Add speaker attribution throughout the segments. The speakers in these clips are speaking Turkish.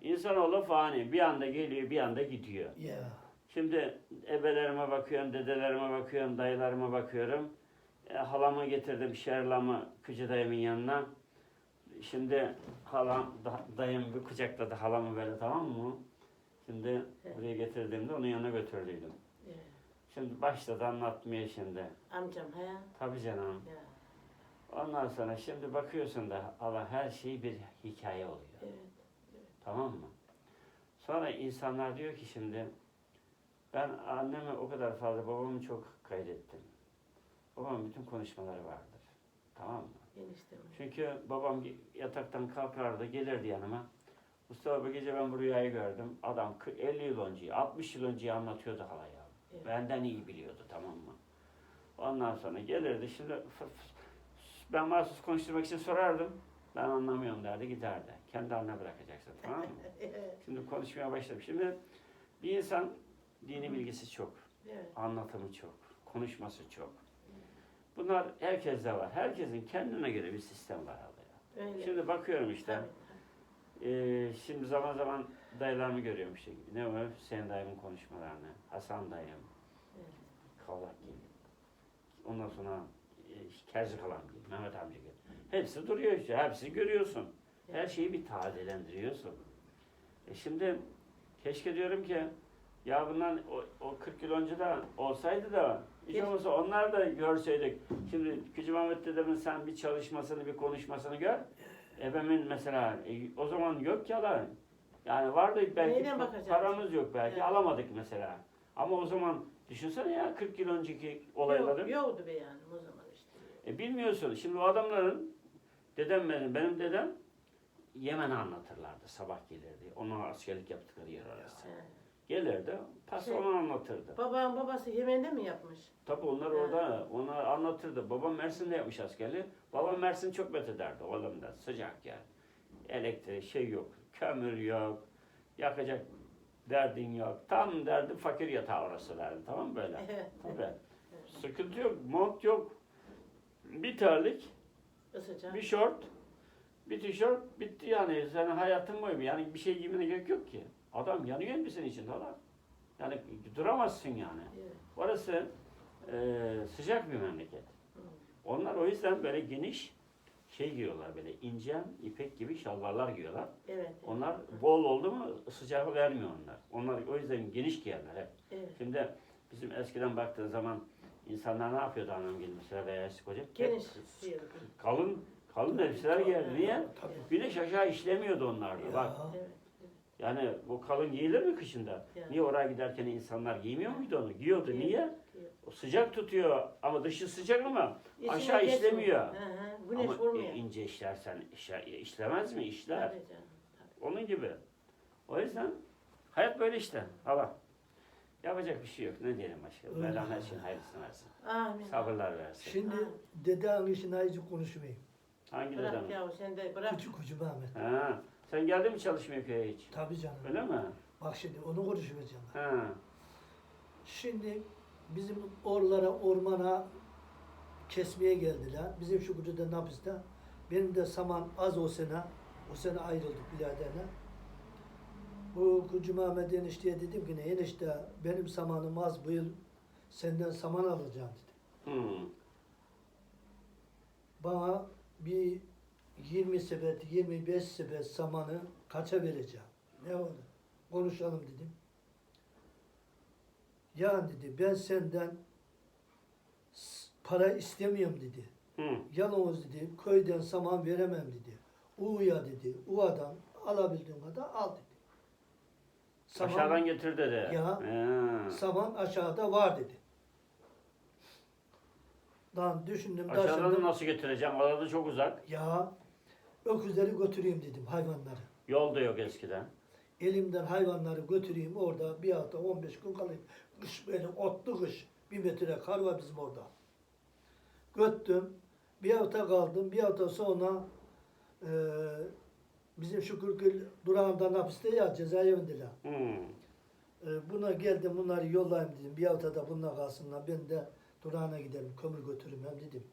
Speaker 1: İnsanoğlu fani. Bir anda geliyor, bir anda gidiyor.
Speaker 2: Ya.
Speaker 1: Şimdi ebelerime bakıyorum, dedelerime bakıyorum, dayılarıma bakıyorum. Halamı getirdim, Şerlam'ı Kıcı dayımın yanına. Şimdi halam, dayım bir kucakladı halamı böyle, tamam mı? Şimdi buraya getirdiğimde onun yanına götürdüydüm.
Speaker 3: Evet.
Speaker 1: Şimdi başladı anlatmaya şimdi.
Speaker 3: Amcam he.
Speaker 1: Tabii canım.
Speaker 3: Ya.
Speaker 1: Ondan sonra şimdi bakıyorsun da Allah, her şey bir hikaye oluyor.
Speaker 3: Evet.
Speaker 1: Tamam mı? Sonra insanlar diyor ki şimdi, ben annemi o kadar fazla, babamı çok kaydettim. Babamın bütün konuşmaları vardır. Tamam mı?
Speaker 3: Eniştem.
Speaker 1: Çünkü babam yataktan kalkardı, gelirdi yanıma. Mustafa, bu gece ben bu rüyayı gördüm. Adam 50 yıl önce, 60 yıl önce anlatıyordu halaya.
Speaker 3: Evet.
Speaker 1: Benden iyi biliyordu, tamam mı? Ondan sonra gelirdi. Şimdi ben mahsus konuşturmak için sorardım. Ben anlamıyorum derdi, giderdi. Kendi haline bırakacaksın, tamam mı?
Speaker 3: Evet.
Speaker 1: Şimdi konuşmaya başladım. Şimdi bir insan dini bilgisi çok,
Speaker 3: Evet.
Speaker 1: anlatımı çok, konuşması çok. Bunlar herkeste var. Herkesin kendine göre bir sistem var halaya.
Speaker 3: Öyle.
Speaker 1: Şimdi bakıyorum işte.
Speaker 3: Tabii.
Speaker 1: Şimdi zaman zaman dayılarımı görüyorum işte. Ne var? Hüseyin dayımın konuşmalarını, Hasan dayım,
Speaker 3: Evet.
Speaker 1: Kavlak gibi. Ondan sonra Kerzi Kalan gibi, Mehmet amca gibi. Hepsi duruyor işte, hepsini görüyorsun. Her şeyi bir tazelendiriyorsun. Şimdi keşke diyorum ki, ya bundan o 40 yıl önce de olsaydı da hiç olmazsa onlar da görseydik. Şimdi Küçük Mehmet dedemin sen bir çalışmasını, bir konuşmasını gör. Ebemin mesela o zaman yok ki alan. Yani vardı belki,
Speaker 3: Neyden bakacağız?
Speaker 1: paramız yok belki,
Speaker 3: Evet.
Speaker 1: alamadık mesela. Ama o zaman düşünsene ya, 40 yıl önceki olayları.
Speaker 3: Yoktu be yani o zaman işte.
Speaker 1: Bilmiyorsun. Şimdi o adamların, benim dedem Yemen'i anlatırlardı. Sabah gelirdi. Onlar askerlik yaptıkları yer orası.
Speaker 3: He.
Speaker 1: Gelirdi, onu anlatırdı.
Speaker 3: Babam babası Yemen'de mi yapmış?
Speaker 1: Tabii onlar orada, onlar anlatırdı. Babam Mersin'de yapmış askerliği. Babam Mersin çok methederdi oğlumda. Sıcak yer. Elektrik şey yok, kömür yok, yakacak derdin yok. Tam derdi fakir yatağı orası derdi. Tamam mı böyle?
Speaker 3: Evet.
Speaker 1: Tabii. Sıkıntı yok, mont yok. Bir terlik,
Speaker 3: Isıcak.
Speaker 1: bir şort, bir tişört, bitti yani. Senin hayatın boyu yani bir şey giymene gerek yok ki. Adam yanıyor elbisenin içinde adam. Yani duramazsın yani.
Speaker 3: Evet.
Speaker 1: Orası sıcak bir memleket.
Speaker 3: Hı.
Speaker 1: Onlar o yüzden böyle geniş şey giyiyorlar, böyle ince ipek gibi şalvarlar giyiyorlar.
Speaker 3: Evet.
Speaker 1: Onlar bol oldu mu sıcağı vermiyor onlar. Onlar o yüzden geniş giyerler hep.
Speaker 3: Evet.
Speaker 1: Şimdi bizim eskiden baktığın zaman insanlar ne yapıyordu, annem gibi mesela veya eski hocam?
Speaker 3: Geniş diyorum.
Speaker 1: Kalın elbiseler giyerdi. Niye?
Speaker 2: Tabii.
Speaker 1: Güneş aşağı işlemiyordu onlarda.
Speaker 2: Ya.
Speaker 1: Bak.
Speaker 3: Evet.
Speaker 1: Yani bu kalın giyilir mi kışında?
Speaker 3: Yani.
Speaker 1: Niye oraya giderken insanlar giymiyor muydu onu? Giyiyordu.
Speaker 3: Giyiyor.
Speaker 1: Niye?
Speaker 3: Giyiyor.
Speaker 1: O sıcak tutuyor ama dışı sıcak ama
Speaker 3: İçine
Speaker 1: aşağı
Speaker 3: geçmiyor.
Speaker 1: işlemiyor.
Speaker 3: Hı hı. Güneş
Speaker 1: Ama
Speaker 3: vurmuyor.
Speaker 1: ince işlersen işlemez mi? İşler.
Speaker 3: Tabii canım.
Speaker 1: Onun gibi. O yüzden hayat böyle işte. Allah. Yapacak bir şey yok. Ne diyelim başka?
Speaker 2: Öyle.
Speaker 1: Mevlam her şeyin hayırlısını versin.
Speaker 3: Amin.
Speaker 1: Sabırlar versin.
Speaker 2: Şimdi
Speaker 3: Ha.
Speaker 2: dedenin işine hiç konuşmayayım.
Speaker 1: Hangi
Speaker 3: Bırak
Speaker 1: dedem?
Speaker 3: yahu sen de bırak.
Speaker 2: Küçük Küçük Ahmet.
Speaker 1: Ha. Sen geldin mi çalışmaya köye hiç?
Speaker 2: Tabii canım.
Speaker 1: Öyle mi?
Speaker 2: Bak şimdi onu konuşmayacağım.
Speaker 1: Ha.
Speaker 2: Şimdi bizim oralara, ormana kesmeye geldiler. Bizim şu kutuda Nabız'da. Benim de saman az o sene ayrıldık biraderle. Bu Kucu Mehmet enişteye dedim ki ne enişte benim samanım az bu yıl senden saman alacağım dedim.
Speaker 1: Hmm.
Speaker 2: Bana bir 20 sepet, 25 sepet samanı kaça vereceğim? Ne oldu? Konuşalım dedim. Ya dedi ben senden para istemiyorum dedi.
Speaker 1: Hmm.
Speaker 2: Yalnız dedi köyden saman veremem dedi. U'ya dedi. U'dan alabildiğin kadar al dedi.
Speaker 1: Aşağıdan getir dedi.
Speaker 2: Ya.
Speaker 1: Ha.
Speaker 2: Saman aşağıda var dedi. Lan düşündüm
Speaker 1: Aşağıdan
Speaker 2: taşındım.
Speaker 1: nasıl getireceğim? Arada çok uzak.
Speaker 2: Ya öküzleri götüreyim dedim hayvanları.
Speaker 1: Yol da yok eskiden.
Speaker 2: Elimden hayvanları götüreyim orada bir hafta 15 gün kalayım. Kış böyle otlu kış. 1 metre kar var bizim orada. Göttüm. Bir hafta kaldım. Bir hafta sonra bizim Şükürgül durağından hapiste ya cezaevindeler. Buna geldim bunları yollayayım dedim. Bir hafta da bununla kalsınlar. Ben de durağına giderim. Kömür götürürüm hem dedim.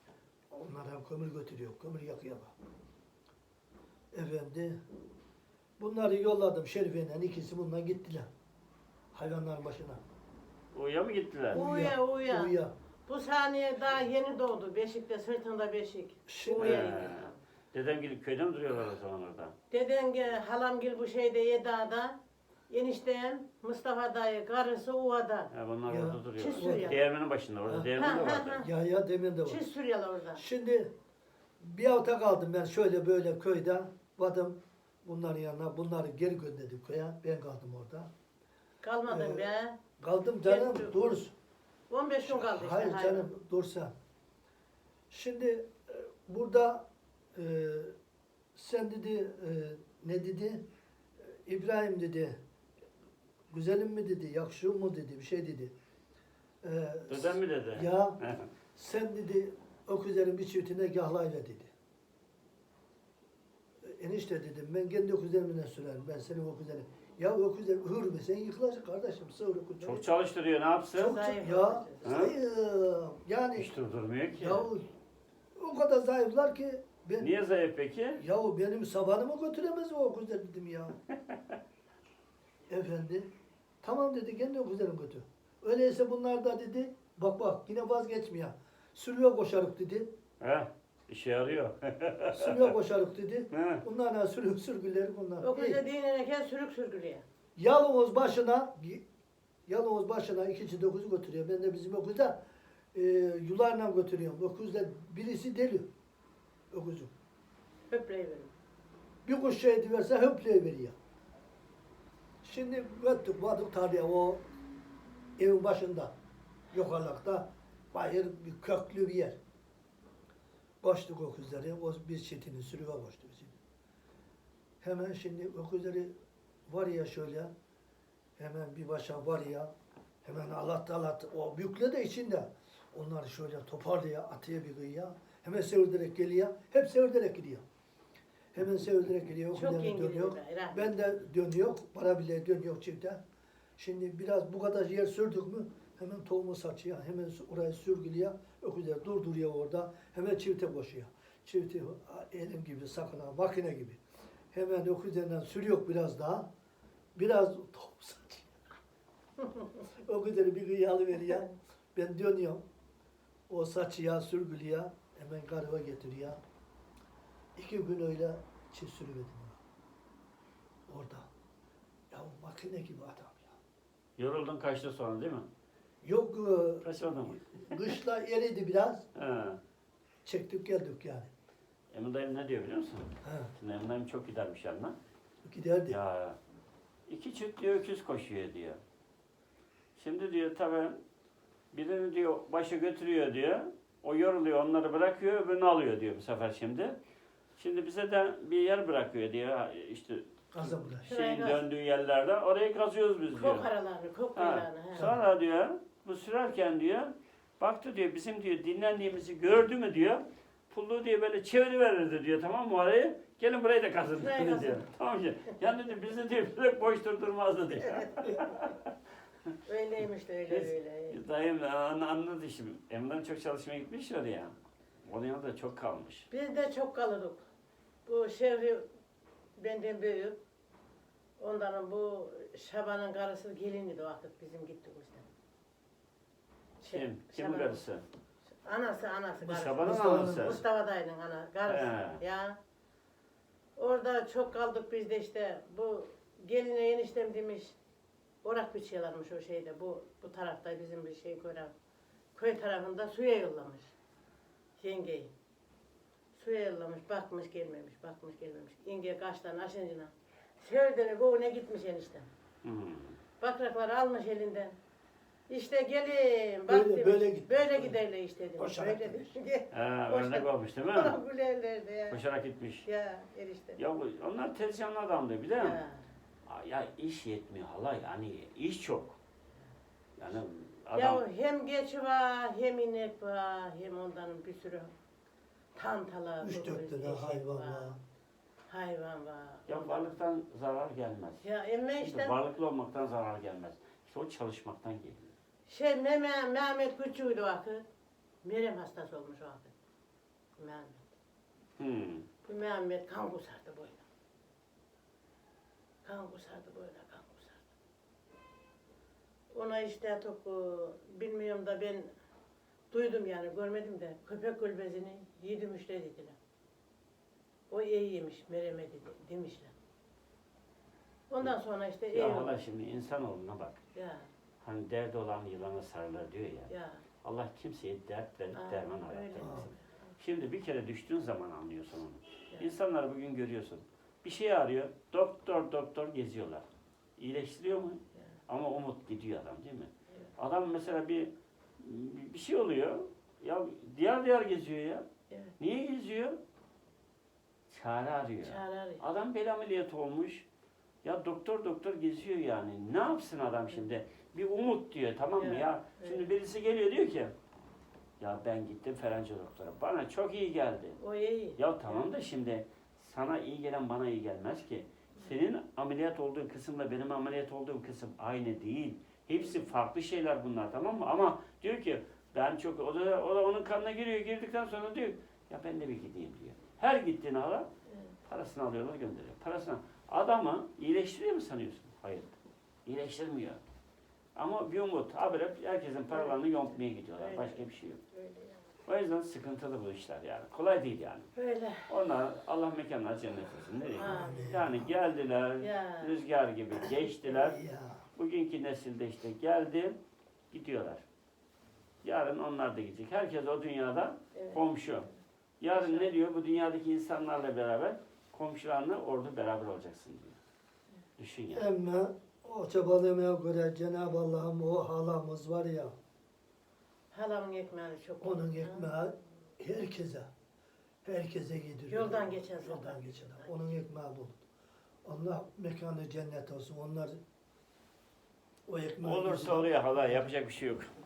Speaker 2: Onlar hem kömür götürüyor. Kömür yakıyorlar. Efendi Bunları yolladım Şerife'yle, ikisi bundan gittiler. Hayvanların başına.
Speaker 1: Uya mı gittiler?
Speaker 3: Uya, uya.
Speaker 2: Uya.
Speaker 3: Bu saniye daha yeni doğdu. Beşikte, sırtında beşik.
Speaker 2: Şimdi-
Speaker 3: Uya
Speaker 1: He.
Speaker 3: gidiyor.
Speaker 1: Dedem gidip köyde mi duruyorlar o zaman orada?
Speaker 3: Deden halamgil bu şeyde Yedağ'da. Eniştem Mustafa dayı karısı Uva'da.
Speaker 1: He, bunlar
Speaker 2: Ya,
Speaker 1: orada duruyorlar.
Speaker 3: çiz sürüyor.
Speaker 1: Değirmenin başında, orada
Speaker 2: Ha.
Speaker 1: değirmen de
Speaker 3: Ha, ha,
Speaker 1: vardı.
Speaker 3: ha.
Speaker 2: Ya demin de var.
Speaker 3: Çiz sürüyorlar orada.
Speaker 2: Şimdi bir hafta kaldım ben şöyle böyle köyde. Vadım bunların yanına. Bunları geri gönderdim köye. Ben kaldım orada.
Speaker 3: Kalmadın be.
Speaker 2: Kaldım canım
Speaker 3: Gel-
Speaker 2: dur.
Speaker 3: 15 gün kaldı işte.
Speaker 2: Hayır
Speaker 3: hayvan.
Speaker 2: canım dursa. Şimdi burada sen dedi ne dedi? İbrahim dedi. Güzelim mi dedi, yakışıyor mu dedi, bir şey dedi.
Speaker 1: Dedem mi dedi?
Speaker 2: Ya sen dedi öküzlerin bir çiftine gahlayla dedi. Enişte dedim ben kendi öküzlerimle sürerim ben senin öküzlerin. Ya öküzler hır be sen yıkılacak kardeşim sığır öküzler.
Speaker 1: Çok çalıştırıyor, ne yapsın?
Speaker 2: Çok
Speaker 3: Zayıf
Speaker 2: ya
Speaker 3: öküzler.
Speaker 2: zayıf. Yani
Speaker 1: Hiç durdurmuyor ki.
Speaker 2: ya o kadar zayıflar ki ben
Speaker 1: Niye zayıf peki?
Speaker 2: ya benim sabanımı götüremez o öküzler dedim ya. Efendi tamam dedi kendi öküzlerim götür. Öyleyse bunlar da dedi bak bak yine vazgeçmiyor. Sürüye koşarık dedi.
Speaker 1: He, işe yarıyor.
Speaker 2: Sürüye koşarık dedi.
Speaker 1: He.
Speaker 2: Bunlar sürgüleri bunlar.
Speaker 3: O kızı
Speaker 2: İyi.
Speaker 3: dinlenirken sürük sürgülüyor.
Speaker 2: Yalnız başına ikinci dokuzu götürüyor. Ben de bizim okulda yularla götürüyorum. Öküzler birisi deli. Öküzü.
Speaker 3: Höpleyiverin.
Speaker 2: Bir kuş şey diverse höpleyiveriyor. Şimdi göttük vardık tarlaya o evin başında. Yukarıda bayır bir köklü bir yer. Koştuk öküzleri. O bir çetinin sürüye koştu bizim. Hemen şimdi öküzleri var ya şöyle hemen bir başa var ya hemen alat o büyükle de içinde onları şöyle toparlıyor atıyor bir kıyıya hemen sevirderek geliyor hep sevirderek gidiyor hemen sevirderek gidiyor
Speaker 3: Çok
Speaker 2: öküzlerini
Speaker 3: yengeli
Speaker 2: dönüyor
Speaker 3: Rahmi.
Speaker 2: ben de dönüyor para bile dönüyor çifte şimdi biraz bu kadar yer sürdük mü hemen tohumu saçıyor hemen orayı sürgülüyor öküzler durduruyor orada hemen çifte koşuyor çifte elim gibi sakın ha makine gibi hemen öküzlerinden sürüyor biraz daha biraz tohum saçıyor. Öküzleri bir kıyı alıveriyor. Ben dönüyorum. O saçıya, sürgülüyor. Hemen karıva getiriyor. 2 gün öyle çift sürüverdim ona. Orada. Ya makine gibi adam ya.
Speaker 1: Yoruldun kaçtı sonra değil mi?
Speaker 2: Yok
Speaker 1: Kaçmadın mı?
Speaker 2: kışla eridi biraz.
Speaker 1: He.
Speaker 2: Çektik geldik yani.
Speaker 1: Emin dayım ne diyor biliyor musun?
Speaker 2: Ha,
Speaker 1: Şimdi Emin dayım çok gidermiş yanına.
Speaker 2: giderdi.
Speaker 1: Ya 2 çift diyor öküz koşuyor diyor. Şimdi diyor tabii birini diyor başı götürüyor diyor. O yoruluyor onları bırakıyor öbürünü alıyor diyor bu sefer şimdi. Şimdi bize de bir yer bırakıyor diyor işte
Speaker 2: Kazan bulaş.
Speaker 1: şeyin döndüğü yerlerde orayı kazıyoruz biz diyor.
Speaker 3: Kok aralarını, kok
Speaker 1: Ha,
Speaker 3: kuyularını. he.
Speaker 1: sonra diyor bu sürerken diyor baktı diyor bizim diyor dinlendiğimizi gördü mü diyor. Pulluğu diye böyle çeviriverirdi diyor tamam mı orayı? Gelin burayı da kazın
Speaker 3: Burayı
Speaker 1: diyor.
Speaker 3: kazın.
Speaker 1: Tamam ki. Yani diyor bizi diyor böyle boş durdurmazdı diyor.
Speaker 3: Öyleymiş de öyle
Speaker 1: Biz-
Speaker 3: öyle.
Speaker 1: Dayım anladı şimdi. Emre'den çok çalışmaya gitmiş oraya. Onun yanında çok kalmış.
Speaker 3: Biz de çok kalırdık. Bu Şevri benden büyük. Ondan bu Şaban'ın karısı geliniydi o vakit bizim gittik işte.
Speaker 1: Kim? Kimin
Speaker 3: Şaban'ın-
Speaker 1: karısı?
Speaker 3: Anası
Speaker 1: Bu
Speaker 3: karısı.
Speaker 1: Şaban'ın
Speaker 2: Mustafa'nın
Speaker 1: anası.
Speaker 3: Mustafa dayının karısı.
Speaker 1: He.
Speaker 3: Ya. Orada çok kaldık biz de işte. Bu geline eniştem demiş. Orak biçiyorlarmış o şeyde. Bu tarafta bizim bir şey köy tarafında suya yollamış. Yengeyi. Suya yollamış, bakmış gelmemiş, bakmış gelmemiş. Yenge kaçtan aşıncına. Sevdiğini boğuna gitmiş eniştem.
Speaker 1: Hmm.
Speaker 3: Bakrakları almış elinden. İşte gelin bak
Speaker 2: Böyle-
Speaker 3: demiş.
Speaker 2: böyle git.
Speaker 3: Böyle giderler işte demiş.
Speaker 2: Koşarak
Speaker 3: Böyle
Speaker 2: gitmiş.
Speaker 3: demiş.
Speaker 1: Ha,
Speaker 3: Boşa-
Speaker 1: örnek olmuş değil mi?
Speaker 3: Gülerlerdi ya.
Speaker 1: Koşarak gitmiş.
Speaker 3: Ya erişte.
Speaker 1: Ya onlar tezcanlı adamdı bir de.
Speaker 3: Ya.
Speaker 1: Ya iş yetmiyor hala yani iş çok. Yani adam
Speaker 3: Ya hem geçi var, hem inek var, hem ondan bir sürü tantala,
Speaker 2: 3-4 tane hayvan var.
Speaker 3: Hayvan var.
Speaker 1: ya varlıktan zarar gelmez.
Speaker 3: Ya emme
Speaker 1: İşte
Speaker 3: işte
Speaker 1: varlıklı olmaktan zarar gelmez. İşte o çalışmaktan geliyor.
Speaker 3: şey Mehmet küçüğüydü o vakit. Merem hastası olmuş o vakit. Mehmet.
Speaker 1: Hmm.
Speaker 3: Bu Mehmet kan kusardı boyuna. kan kusardı böyle kan kusardı. Ona işte çok bilmiyorum da ben duydum yani görmedim de köpek gülbezini yedim işte dediler. O iyi yemiş mereme demişler. Ondan sonra işte iyi
Speaker 1: Ya
Speaker 3: oldu.
Speaker 1: Allah şimdi insanoğluna bak.
Speaker 3: Ya
Speaker 1: Hani derdi olan yılana sarılır diyor ya.
Speaker 3: ya.
Speaker 1: Allah kimseye dert verip
Speaker 3: Aa,
Speaker 1: derman
Speaker 3: öyle.
Speaker 1: aratmasın. Şimdi bir kere düştüğün zaman anlıyorsun onu.
Speaker 3: Ya.
Speaker 1: İnsanları bugün görüyorsun. Bir şey arıyor, doktor geziyorlar. İyileştiriyor mu?
Speaker 3: Ya.
Speaker 1: Ama umut gidiyor adam değil mi?
Speaker 3: Evet.
Speaker 1: Adam mesela bir şey oluyor, ya diyar geziyor ya.
Speaker 3: Evet.
Speaker 1: Niye geziyor? Çare arıyor.
Speaker 3: Çare arıyor.
Speaker 1: Adam bel ameliyatı olmuş. Ya doktor geziyor yani. Ne yapsın adam şimdi? Bir umut diyor, tamam mı
Speaker 3: Evet,
Speaker 1: ya?
Speaker 3: evet.
Speaker 1: Şimdi birisi geliyor diyor ki, ya ben gittim falanca doktora. Bana çok iyi geldi.
Speaker 3: O iyi.
Speaker 1: Ya tamam da şimdi sana iyi gelen bana iyi gelmez ki. Senin ameliyat olduğun kısımla benim ameliyat olduğum kısım aynı değil. Hepsi farklı şeyler bunlar, tamam mı? Ama diyor ki ben çok, o da onun kanına giriyor. Girdikten sonra diyor ya ben de bir gideyim diyor. Her gittiğini ala
Speaker 3: Evet.
Speaker 1: parasını alıyorlar, gönderiyor. Parasını adamı iyileştiriyor mu sanıyorsun? Hayır. İyileştirmiyor. Ama bir umut. Habire herkesin paralarını yontmaya gidiyorlar.
Speaker 3: Öyle.
Speaker 1: Başka bir şey yok.
Speaker 3: Öyle yani.
Speaker 1: O yüzden sıkıntılı bu işler yani. Kolay değil yani.
Speaker 3: Öyle.
Speaker 1: Onlar Allah mekanlar cennet olsun. Ne diyeyim?
Speaker 3: Amin.
Speaker 1: Yani geldiler,
Speaker 3: Ya.
Speaker 1: rüzgar gibi geçtiler.
Speaker 2: Ya.
Speaker 1: Bugünkü nesilde işte geldi, gidiyorlar. Yarın onlar da gidecek. Herkes o dünyada
Speaker 3: Evet.
Speaker 1: komşu. Yarın ne diyor? Bu dünyadaki insanlarla beraber komşularla orada beraber olacaksın diyor. Düşün ya.
Speaker 2: Ama o çabalamaya göre Cenab-ı Allah'ın o halamız var ya,
Speaker 3: Halamın ekmeği çok.
Speaker 2: onun ekmeği herkese yediriyor.
Speaker 3: Yoldan geçen zaman.
Speaker 2: Yoldan geçen. Onun ekmeği bol. Allah mekanı cennet olsun. Onlar o ekmeği
Speaker 1: Olursa
Speaker 2: yüzünden-
Speaker 1: oluyor hala, yapacak bir şey yok.